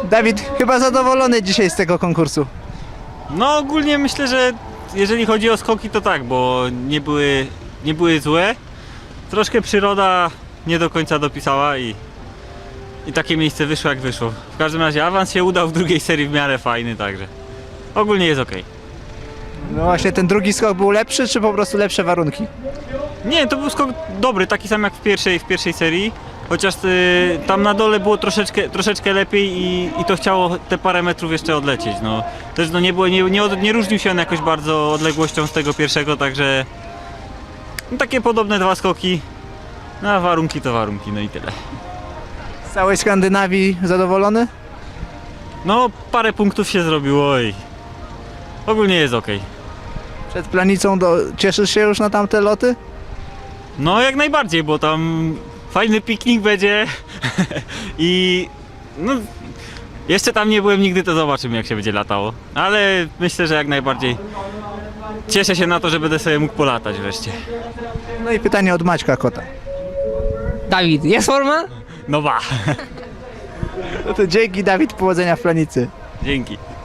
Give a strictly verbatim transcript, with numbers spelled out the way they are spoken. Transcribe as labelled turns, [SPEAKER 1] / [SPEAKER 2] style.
[SPEAKER 1] Dawid, chyba zadowolony dzisiaj z tego konkursu.
[SPEAKER 2] No ogólnie myślę, że jeżeli chodzi o skoki to tak, bo nie były, nie były złe. Troszkę przyroda nie do końca dopisała i, i takie miejsce wyszło jak wyszło. W każdym razie awans się udał w drugiej serii w miarę fajny, także ogólnie jest ok.
[SPEAKER 1] No właśnie, ten drugi skok był lepszy, czy po prostu lepsze warunki?
[SPEAKER 2] Nie, to był skok dobry, taki sam jak w pierwszej, w pierwszej serii. Chociaż y, tam na dole było troszeczkę, troszeczkę lepiej i, i to chciało te parę metrów jeszcze odlecieć. No. Też no, nie, było, nie, nie, od, nie różnił się on jakoś bardzo odległością z tego pierwszego, także no, takie podobne dwa skoki. No a warunki to warunki, no i tyle.
[SPEAKER 1] Z całej Skandynawii zadowolony?
[SPEAKER 2] No parę punktów się zrobiło i ogólnie jest ok.
[SPEAKER 1] Przed Planicą do... cieszysz się już na tamte loty?
[SPEAKER 2] No jak najbardziej, bo tam fajny piknik będzie i no jeszcze tam nie byłem nigdy, to zobaczymy jak się będzie latało, ale myślę, że jak najbardziej cieszę się na to, że będę sobie mógł polatać wreszcie.
[SPEAKER 1] No i pytanie od Maćka Kota.
[SPEAKER 3] Dawid, jest forma?
[SPEAKER 2] No ba,
[SPEAKER 1] No to dzięki, Dawid, powodzenia w Planicy.
[SPEAKER 2] dzięki.